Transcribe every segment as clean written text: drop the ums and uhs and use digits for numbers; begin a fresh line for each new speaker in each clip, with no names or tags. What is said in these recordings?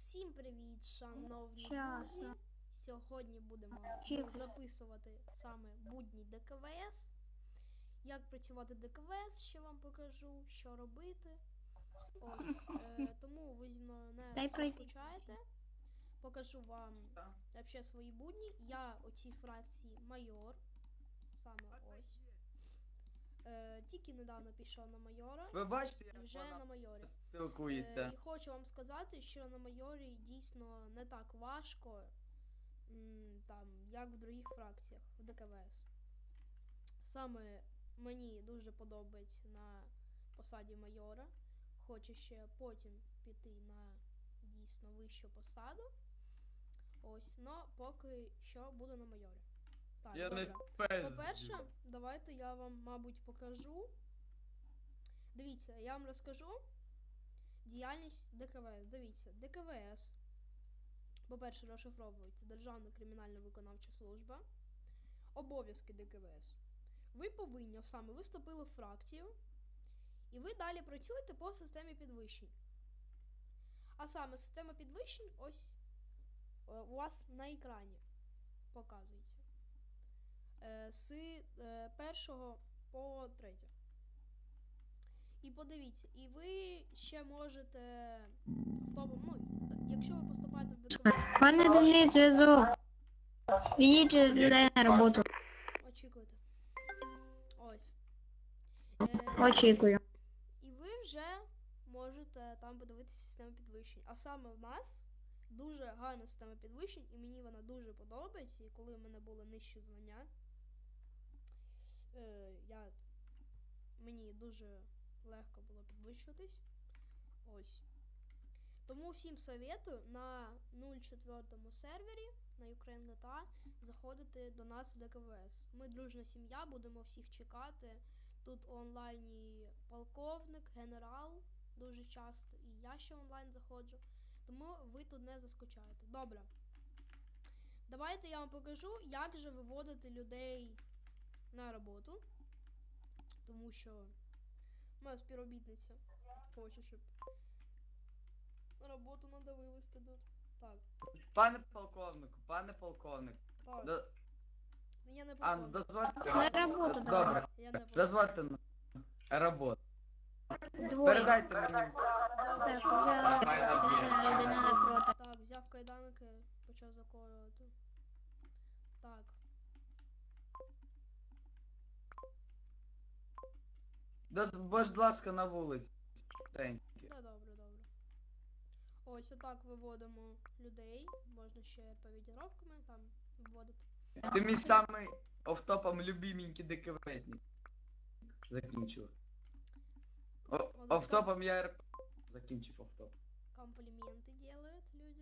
Всім привіт, шановні
Щас.
друзі! Сьогодні будемо записувати саме будні ДКВС. Як працювати ДКВС, ще вам покажу, що робити. Ось, тому ви зі мною не скучаєте. Покажу вам взагалі свої будні. Я у цій фракції майор. Саме ось. Тільки недавно пішов на майора.
Ви бачите,
І
як
вже
вона
на майорі.
спілкується.
І хочу вам сказати, що на майорі дійсно не так важко, там, як в других фракціях, в ДКВС. Саме мені дуже подобається на посаді майора. Хочу ще потім піти на дійсно вищу посаду. Ось, но поки що буду на майорі. Так,
Я
добре.
не
По-перше, давайте я вам, мабуть, покажу. Дивіться, я вам розкажу діяльність ДКВС. Дивіться, ДКВС, по-перше, розшифровується Державна кримінально-виконавча служба. Обов'язки ДКВС. Ви повинні, саме ви вступили в фракцію, і ви далі працюєте по системі підвищень. А саме система підвищень ось у вас на екрані показується. З 1 по 3. І подивіться, і ви ще можете в тому, якщо ви поступаєте в ДКВС...
Пане Дмитрий, зв'язок. Відіть людей на роботу.
Очікуйте. Ось.
Очікую.
І ви вже можете там подивитися систему підвищень. А саме в нас дуже гарна система підвищень, і мені вона дуже подобається. І коли в мене було нижче звання, мені дуже легко було підвищуватись. Ось. Тому всім советую на 04 сервері на Ukraine GTA заходити до нас в ДКВС. Ми дружна сім'я, будемо всіх чекати. Тут онлайн і полковник, генерал дуже часто, і я ще онлайн заходжу. Тому ви тут не заскучаєте. Добре. Давайте я вам покажу, як же виводити людей на роботу. Тому що моя співробітниця хоче, щоб на роботу треба вивезти тут. Так.
Пане полковник.
Так. Я не
А,
полковник.
дозвольте.
На роботу
Добре.
Я не полковник.
Дозвольте на роботу.
Двоє.
Передайте мені.
Так, вже людина напроти.
Так, взяв кайданки, почав заколювати. Так.
Будь ласка, на вулиці. Thank you.
Да, добре. Ось отак виводимо людей. Можна ще повідіровками там вводити.
Ти мій самий офтопом любименький ДКВСник. Закінчив. Офтопом я РП. Закінчив офтоп.
Компліменти делають люди.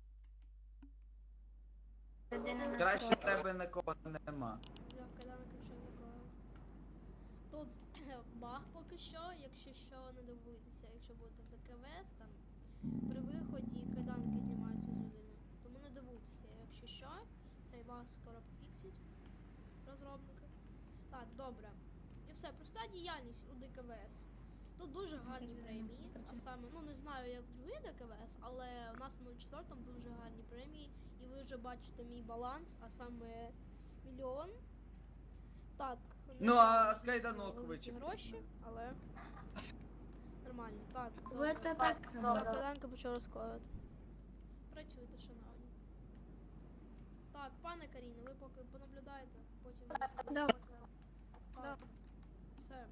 Людина
Краще
напроти.
тебе нікого нема.
Взяв кайданки, почав заколювати. Тут баг поки що, якщо що, не дивуйтеся, якщо будете в ДКВС, там при виході кайданки знімаються з людини. Тому не дивуйтеся, якщо що, цей баг скоро пофіксять розробники. Так, добре. І все, проста діяльність у ДКВС. Тут дуже гарні премії, а саме, не знаю як в другий ДКВС, але у нас на 04 дуже гарні премії, і ви вже бачите мій баланс, а саме 1 мільйон. Так,
Ну, а з кайданок
великі
вичепити.
гроші, але нормально. Так,
Ви
добре.
це так
Взяв
робите.
кайданки, почав розкоювати. Працюйте, шановні. Так, пане Каріно, ви поки понаблюдаєте, потім...
Добре.
Так, все.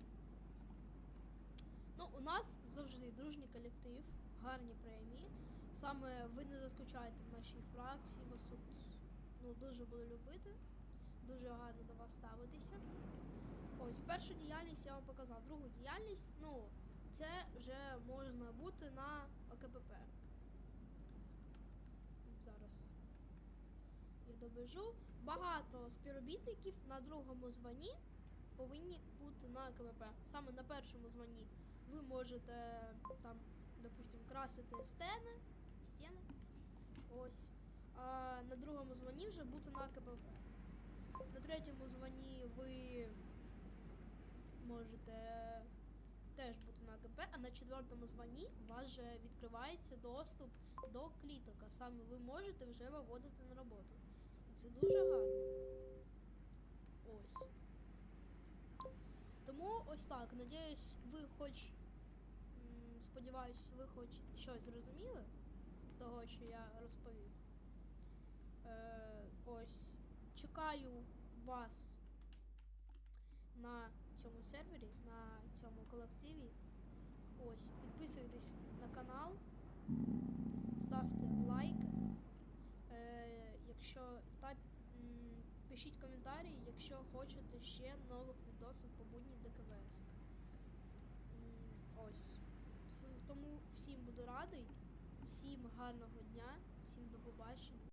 У нас завжди дружній колектив, гарні премії. Саме ви не заскучаєте в нашій фракції, вас тут дуже буду любити. Дуже гарно до вас ставитися. Ось, першу діяльність я вам показав. Другу діяльність, це вже можна бути на ОКПП. Зараз я добіжу. Багато співробітників на другому званні повинні бути на ОКПП. Саме на першому званні ви можете там, допустим, красити стіни. Ось. А на другому званні вже бути на КПП. На третьому званні ви можете теж бути на АГП, а на 4-му званні у вас вже відкривається доступ до кліток, а саме ви можете вже виводити на роботу. І це дуже гарно. Ось. Тому ось так. Надіюсь, ви хоч. Сподіваюсь, ви хоч щось зрозуміли з того, що я розповів. Ось. Чекаю вас на цьому сервері, на цьому колективі. Ось, підписуйтесь на канал, ставте лайки. Якщо та пишіть коментарі, якщо хочете ще нових відосів по будні ДКВС. Ось. Тому всім буду радий, всім гарного дня, всім до побачення.